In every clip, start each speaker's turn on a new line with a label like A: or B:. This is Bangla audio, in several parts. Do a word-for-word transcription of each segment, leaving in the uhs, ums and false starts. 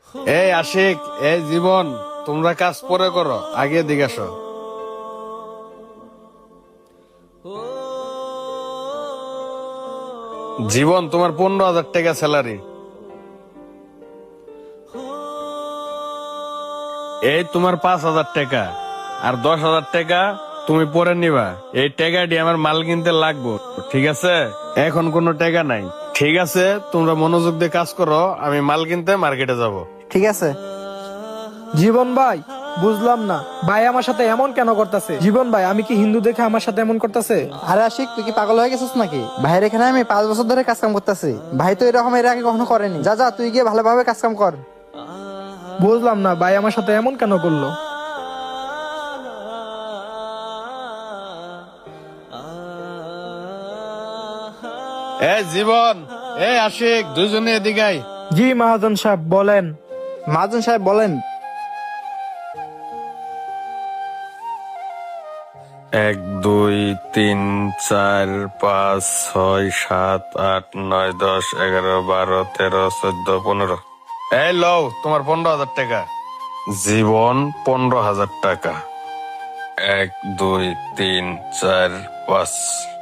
A: এই আশিক, এই জীবন, তোমরা কাজ পরে করো, আগে দিকে আসো। জীবন, তোমার পনেরো হাজার টাকা স্যালারি। এই তোমার পাঁচ হাজার টাকা, আর দশ হাজার টাকা তুমি পরে নিবা। এই টাকাটি আমার মাল কিনতে লাগবো, ঠিক আছে? এখন কোনো টাকা নাই, ঠিক আছে? তোমরা মনোযোগ দিয়ে কাজ করো, আমি মাল কিনতে মার্কেটে যাব।
B: ঠিক আছে।
C: জীবন ভাই, বুঝলাম না ভাই আমার সাথে এমন কেন করতেছে। জীবন ভাই, আমি কি হিন্দু দেখে আমার সাথে এমন করতেছে?
B: আরে আশিক, তুই কি পাগল হয়ে গেছিস নাকি? ভাইয়ের এখানে আমি পাঁচ বছর ধরে কাজ কাম করতেছি। ভাই তো এরকম এর আগে কখনো করেনি। যা যা, তুই গিয়ে ভালোভাবে কাজ কাম কর।
C: বুঝলাম না ভাই আমার সাথে এমন কেন করলো।
A: এ জীবন, এ আশিক, দুজনে এদিকে আয়।
C: জি মহাজন সাহেব, বলেন।
B: মহাজন সাহেব বলেন।
A: এক দুই তিন চার পাঁচ ছয় সাত আট নয় দশ এগারো বারো তেরো চোদ্দ পনেরো। এই লও তোমার পনেরো হাজার টাকা। জীবন, পনেরো হাজার টাকা। এক দুই তিন চার পাঁচ।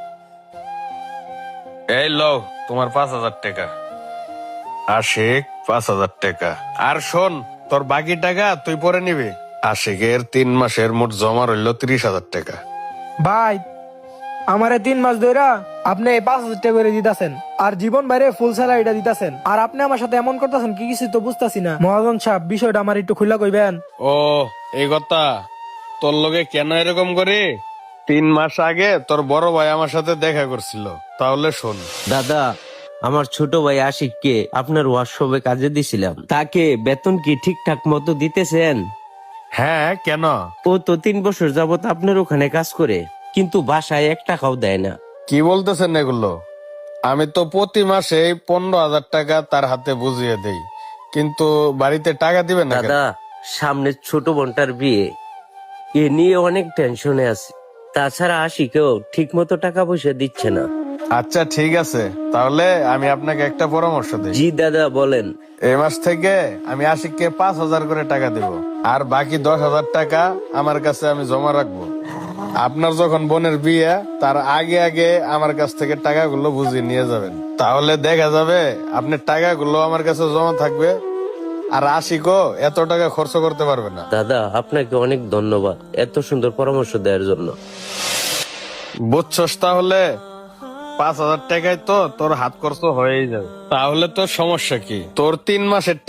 A: এই লও তোমার পাঁচ হাজার টাকা। আশিক, পাঁচ হাজার টাকা। আর শোন, তোর বাকি টাকা তুই পরে নিবি। আশিকের তিন মাসের মোট জমা রইল ত্রিশ হাজার টাকা।
C: ভাই, আমারে তিন মাস ধরে আপনি এই পাঁচ হাজার টাকা করে দিতেছেন, আর জীবন বাইরে ফুল স্যালারিটা দিতেছেন, আর আপনি আমার সাথে এমন করতেছেন কি কিছু তো বুঝতেছি না। মহাজন সাহেব, বিষয়টা আমার একটু খুলে কইবেন।
A: ও, এই কথা। তোর লগে কেন এরকম করি? তিন মাস আগে তোর বড় ভাই আমার সাথে দেখা করছিল। তাহলে শোন।
D: দাদা, আমার ছোট ভাই আশিককে আপনার ওয়ার্কশপে কাজে দিছিলাম। তাকে বেতন কি ঠিকঠাক মতো দিতেছেন?
A: হ্যাঁ, কেন?
D: ও তো তিন বছর যাবত আপনার ওখানে কাজ করে, কিন্তু বাসায় এক টাকাও দেয় না।
A: কি বলতেছেন এগুলো? আমি তো প্রতি মাসে পনেরো হাজার টাকা তার হাতে বুঝিয়ে দেই, কিন্তু বাড়িতে টাকা দিবেন না কেন?
D: দাদা, সামনে ছোট বোনটার বিয়ে, এ নিয়ে অনেক টেনশনে আছে। তাছাড়া আশিকেও ঠিক মতো টাকা পয়সা দিচ্ছে না।
A: আচ্ছা ঠিক আছে, তাহলে আমি আপনাকে একটা পরামর্শ দিই।
D: জি দাদা, বলেন।
A: এই মাস থেকে আমি আশিককে পাঁচ হাজার করে টাকা দেব, আর বাকি দশ হাজার টাকা আমার কাছে আমি জমা রাখবো। আপনার যখন বোনের বিয়ে, তার আগে আগে আমার কাছ থেকে টাকাগুলো বুঝিয়ে নিয়ে যাবেন। তাহলে দেখা যাবে আপনার টাকাগুলো আমার কাছে জমা থাকবে, আর আশিকও এত টাকা খরচ করতে পারবে না।
D: দাদা, আপনাকে অনেক ধন্যবাদ এত সুন্দর পরামর্শ দেওয়ার জন্য।
A: বুঝছস? তাহলে পাঁচ হাজার টাকায় তো তোর হাত খরচ হয়েই যাবে। তাহলে তোর সমস্যা কি? তোর তিন মাসের